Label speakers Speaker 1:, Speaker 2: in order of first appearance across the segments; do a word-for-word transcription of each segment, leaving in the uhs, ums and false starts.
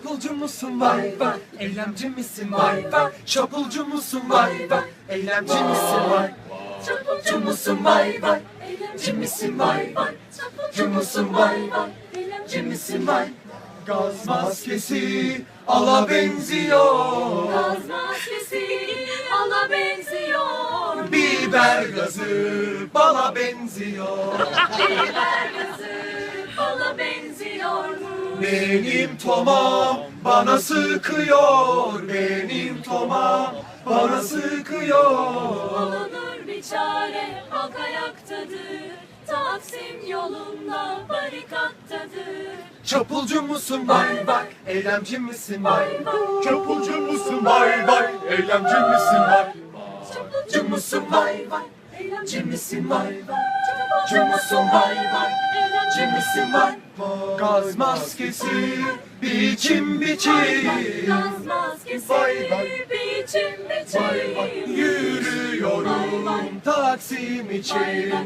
Speaker 1: Çapulcu musun vay vay, eylemci misin vay vay? Çapulcu musun vay vay, eylemci misin vay? Çapulcu musun vay vay, eylemci misin vay vay? Çapulcu musun vay vay, eylemci misin vay? Gaz maskesi ala benziyor,
Speaker 2: Gaz maskesi ala benziyor.
Speaker 1: biber gazı bala benziyor.
Speaker 2: Biber gazı bala benziyor mu?
Speaker 1: Benim tomam bana sıkıyor, benim tomam bana sıkıyor.
Speaker 2: Bulunur bir çare, halk ayaktadır. Taksim yolunda barikattadır.
Speaker 1: Çapulcu musun vay vay, eylemci misin vay vay? Çapulcu musun vay vay, eylemci misin vay? Çapulcu musun vay vay, eylemci misin vay vay? Çapulcu musun vay vay, eylemci misin vay? Gaz maskesi biçim biçim,
Speaker 2: Gaz maskesi
Speaker 1: Vay vay.
Speaker 2: biçim
Speaker 1: vay vay.
Speaker 2: biçim.
Speaker 1: Yürüyorum Taksim için.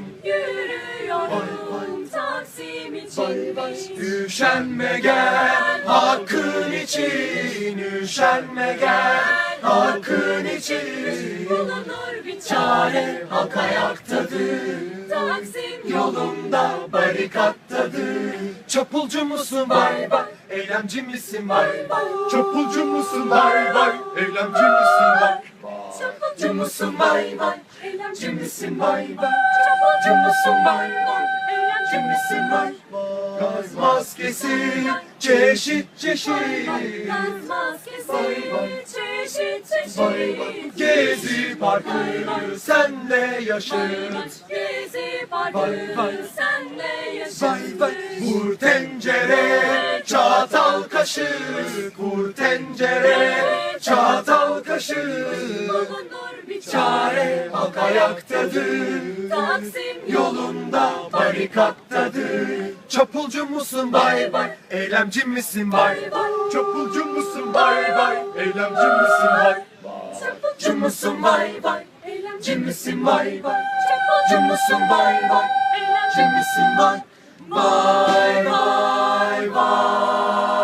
Speaker 2: Yürüyorum Taksim için.
Speaker 1: Üşenme gel hakkın için, üşenme gel hakkın için.
Speaker 2: Bulunur bir
Speaker 1: Çare halk ayaktadır,
Speaker 2: Taksim
Speaker 1: yolunda barikattadır. Çapulcu musun vay vay, eylemci misin vay vay? Çapulcu musun vay vay, eylemci misin vay? Çapulcu musun vay vay, eylemci misin vay vay? Çapulcu musun vay vay, eylemci misin vay? Gaz maskesi çeşit çeşit,
Speaker 2: Gaz maskesi
Speaker 1: Vay vay.
Speaker 2: çeşit
Speaker 1: vay vay.
Speaker 2: çeşit.
Speaker 1: Gezi parkı senle yaşır.
Speaker 2: Gezi
Speaker 1: Vay
Speaker 2: parkı
Speaker 1: vay.
Speaker 2: senle
Speaker 1: Vay vay.
Speaker 2: yaşasın.
Speaker 1: Vur tencere çatal kaşık, vur tencere çatal kaşık.
Speaker 2: Bulunur bir
Speaker 1: Çare halk ayaktadır,
Speaker 2: Taksim
Speaker 1: yolunda barikattadır. Çapulcu musun vay vay, eylemci misin vay vay? Çapulcu musun vay vay, eylemci misin vay? Çapulcu musun vay vay, eylemci misin vay vay? Çapulcu musun vay vay, eylemci misin vay? Vay vay vay.